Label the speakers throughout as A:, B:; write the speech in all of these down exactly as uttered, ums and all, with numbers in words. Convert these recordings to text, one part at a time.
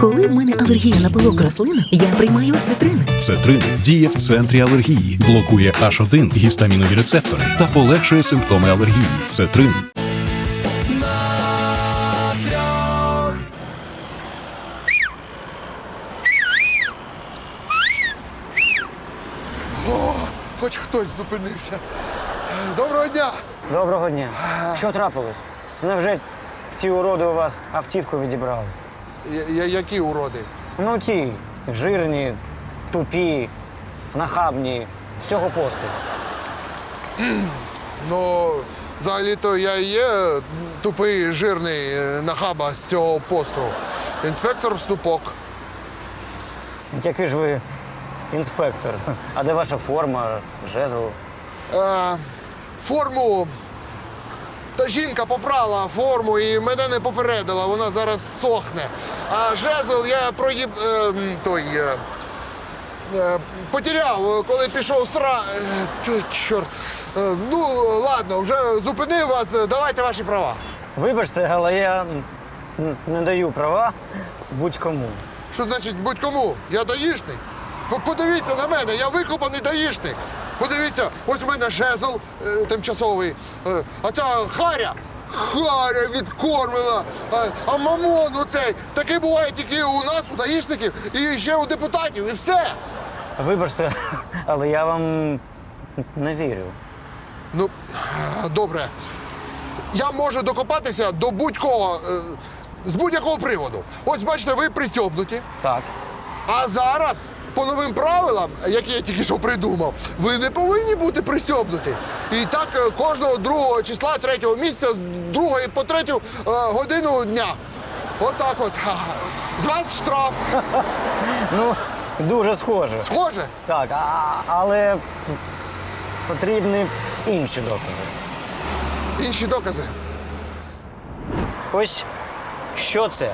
A: Коли в мене алергія на пилок рослин, я приймаю цитрин.
B: Цетрин діє в центрі алергії, блокує аш один гістамінові рецептори та полегшує симптоми алергії. Цетрин.
C: О, хоч хтось зупинився. Доброго дня!
D: Доброго дня. Що трапилось? Невже ці уроди у вас автівку відібрали?
C: Я, я- які уроди?
D: Ну ті жирні, тупі, нахабні, з цього посту.
C: Ну, взагалі-то я і є тупий, жирний е, нахаба з цього посту. Інспектор Ступок.
D: Який ж ви інспектор? А де ваша форма, жезл?
C: Е, форму. Та жінка попрала форму і мене не попередила, вона зараз сохне. А жезл я проїб... Е, м, той... Е, е, потеряв, коли пішов сра... Е, т- чорт. Е, ну, ладно, вже зупинив вас, давайте ваші права.
D: Вибачте, але я н- не даю права будь-кому.
C: Що значить будь-кому? Я даїшник. П- Подивіться на мене, я викопаний даїшник. Подивіться, ось у мене жезл е, тимчасовий, е, а ця харя, харя відкормлена, а, а мамон оцей, такий буває тільки у нас, у даїшників, і ще у депутатів, і все.
D: Вибачте, але я вам не вірю.
C: Ну, е, добре. Я можу докопатися до будь-кого, е, з будь-якого приводу. Ось бачите, ви пристьобнуті.
D: Так.
C: А зараз, по новим правилам, які я тільки що придумав, ви не повинні бути пристьобнуті. І так е, кожного другого числа третього місяця з другої по третю е, годину дня. Отак от. Ха. З вас штраф.
D: Ну, дуже схоже.
C: Схоже?
D: Так, а, але потрібні інші докази.
C: Інші докази.
D: Ось що це?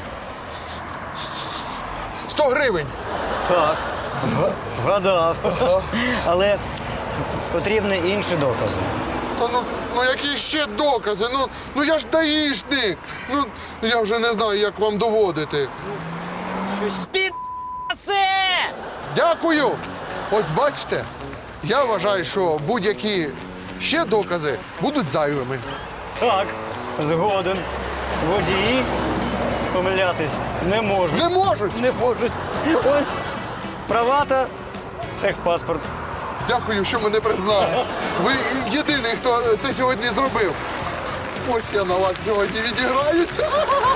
C: сто гривень.
D: Так, вгадав. Але потрібні інші докази.
C: Та ну, ну які ще докази? Ну, ну я ж даїшник. Ну, я вже не знаю, як вам доводити.
D: Під це!
C: Дякую. Ось бачите, я вважаю, що будь-які ще докази будуть зайвими.
D: Так, згоден. Водії помилятись не можуть.
C: Не можуть.
D: Не можуть. Ось права та техпаспорт.
C: Дякую, що мене признали. Ви єдиний, хто це сьогодні зробив. Ось я на вас сьогодні відіграюся.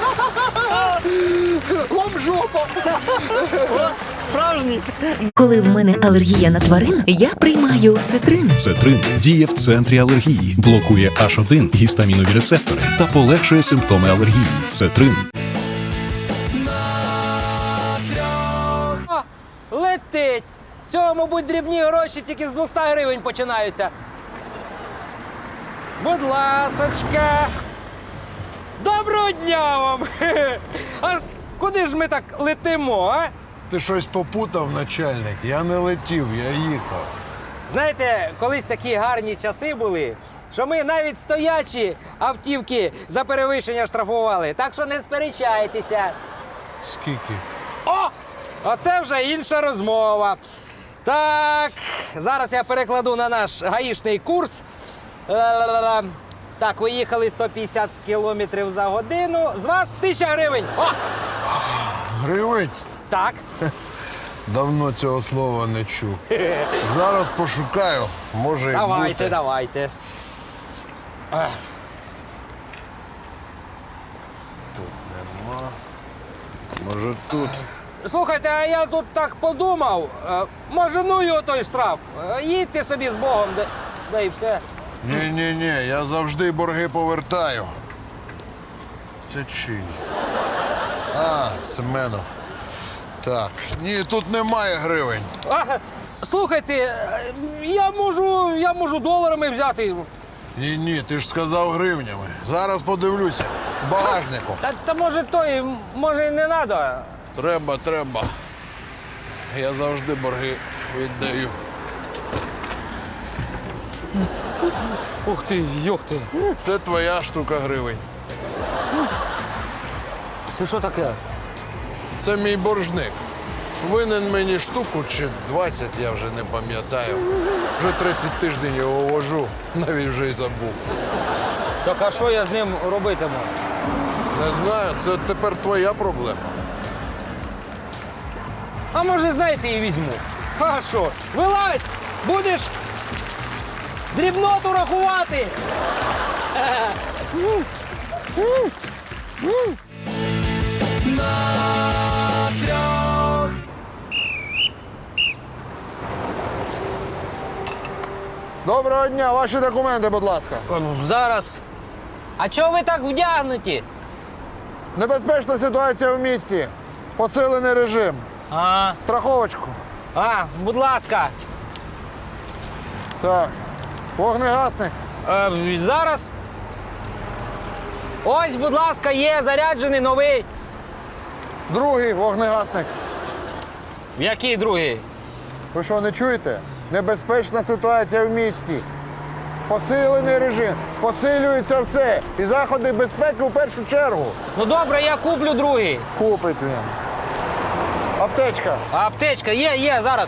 C: Вам жопа.
D: Справжній.
A: Коли в мене алергія на тварин, я приймаю цитрин.
B: Цетрин діє в центрі алергії, блокує аш один гістамінові рецептори та полегшує симптоми алергії. Цетрин.
E: О, летить! З цього, мабуть, дрібні гроші тільки з двохсот гривень починаються. Будь ласочка. Доброго дня вам! А куди ж ми так летимо, а?
F: Ти щось попутав, начальник. Я не летів, я їхав.
E: Знаєте, колись такі гарні часи були, що ми навіть стоячі автівки за перевищення штрафували. Так що не сперечайтеся.
F: Скільки?
E: О! Оце вже інша розмова. Так, зараз я перекладу на наш гаїшний курс. Ла-ла-ла-ла. Так, ви їхали сто п'ятдесят кілометрів за годину. З вас тисяча гривень. О!
F: Гривень?
E: Так.
F: Давно цього слова не чув. Зараз пошукаю, може і
E: Давайте,
F: бути.
E: давайте. Ех.
F: Нема. Може тут.
E: Слухайте, а я тут так подумав. Е, Може, ну його той штраф. Е, Їдьте собі з Богом, да, да і все.
F: Ні-ні-ні, я завжди борги повертаю. Це чий? А, Семенов. Так, ні, тут немає гривень.
E: А, слухайте, е, я можу, я можу доларами взяти.
F: Ні-ні, ти ж сказав гривнями. Зараз подивлюся. В багажнику.
E: Та, та може той, може і не треба.
F: Треба, треба. Я завжди борги віддаю.
E: Ух ти, йох ти.
F: Це твоя штука гривень.
E: Це що таке?
F: Це мій боржник. Винен мені штуку чи двадцять, я вже не пам'ятаю. Вже третій тиждень його вожу, навіть вже й забув.
E: Так а що я з ним робитиму?
F: Не знаю, це тепер твоя проблема.
E: А може, знаєте, і візьму. А що? Вилазь! Будеш дрібноту рахувати!
C: Доброго дня, ваші документи, будь ласка.
E: Зараз. А чого ви так вдягнуті?
C: Небезпечна ситуація в місті. Посилений режим.
E: А,
C: Страховочку.
E: а, будь ласка.
C: Так. Вогнегасник.
E: Е, зараз. Ось, будь ласка, є заряджений новий.
C: Другий вогнегасник.
E: Який другий?
C: Ви що, не чуєте? Небезпечна ситуація в місті. Посилений режим. Посилюється все. І заходи безпеки в першу чергу.
E: Ну добре, я куплю другий.
C: Купить він. Аптечка.
E: А аптечка є, є, зараз.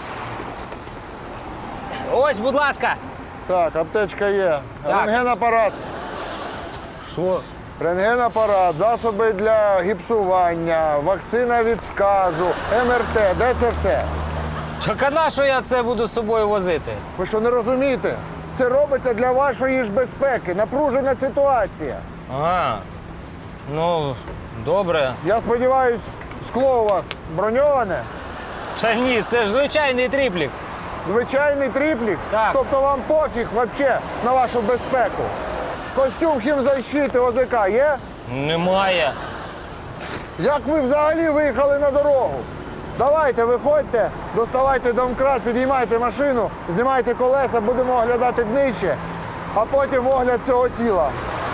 E: Ось, будь ласка.
C: Так, аптечка є.
E: Так.
C: Рентгенапарат.
E: Що?
C: Рентгенапарат, засоби для гіпсування, вакцина від сказу, ем ер те. Де це все?
E: Так а на що я це буду з собою возити?
C: Ви що, не розумієте? Це робиться для вашої ж безпеки. Напружена ситуація.
E: А, ну, добре.
C: Я сподіваюсь, скло у вас броньоване.
E: Та ні, це ж звичайний тріплікс.
C: Звичайний тріплікс.
E: Так.
C: Тобто вам пофіг взагалі на вашу безпеку. Костюм хімзащити о зе ка є?
E: Немає.
C: Як ви взагалі виїхали на дорогу? Давайте, виходьте, доставайте домкрат, підіймайте машину, знімайте колеса, будемо оглядати днище, а потім огляд цього тіла.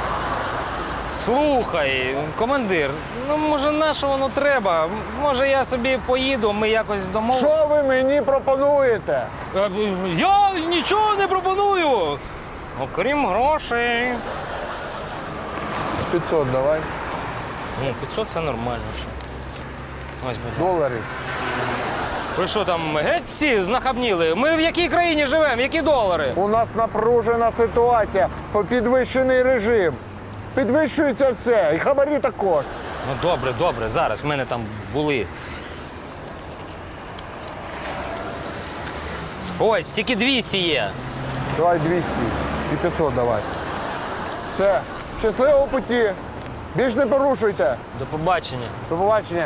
E: Слухай, командир, ну може на що воно треба? Може я собі поїду, ми якось домовимося?
C: Що ви мені пропонуєте?
E: Е, Я нічого не пропоную. Окрім грошей.
C: п'ятсот давай.
E: Ну, п'ятсот це нормально. ще. Ось, будь ласка.
C: Доларів.
E: Ви що там геть всі знахабніли? Ми в якій країні живемо? Які долари?
C: У нас напружена ситуація, підвищений режим. Підвищується все, і хабарі також.
E: Ну добре, добре, зараз в мене там були. Ось, тільки двісті є.
C: Давай двісті і п'ятсот давай. Все, щасливого путі. Більш не порушуйте.
E: До побачення.
C: До побачення.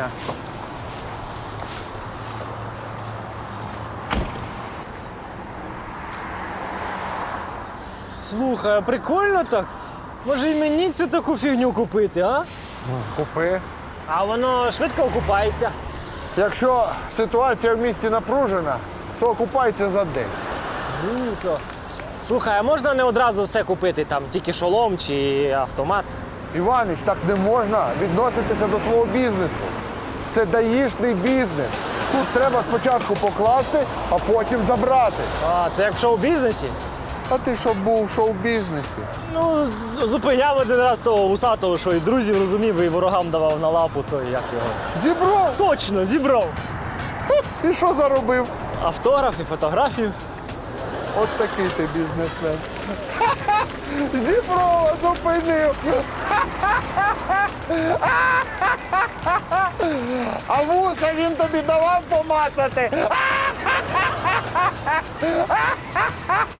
G: Слухай, а прикольно так? Може і мені цю таку фігню купити, а?
C: Купи.
G: А воно швидко окупається.
C: Якщо ситуація в місті напружена, то окупається за день.
G: Круто. Слухай, а можна не одразу все купити, там тільки шолом чи автомат?
C: Іванич, так не можна відноситися до свого бізнесу. Це даїшний бізнес. Тут треба спочатку покласти, а потім забрати.
G: А, це як в шоу-бізнесі?
C: А ти що був в шоу-бізнесі?
G: Ну, зупиняв один раз того усатого, що і друзів розумів, і ворогам давав на лапу, то як його.
C: Зібрав?
G: Точно, зібрав.
C: І що заробив?
G: Автограф і фотографію.
C: От такий ти бізнесмен. Зіброва зупинив. А вуса він тобі давав помацати.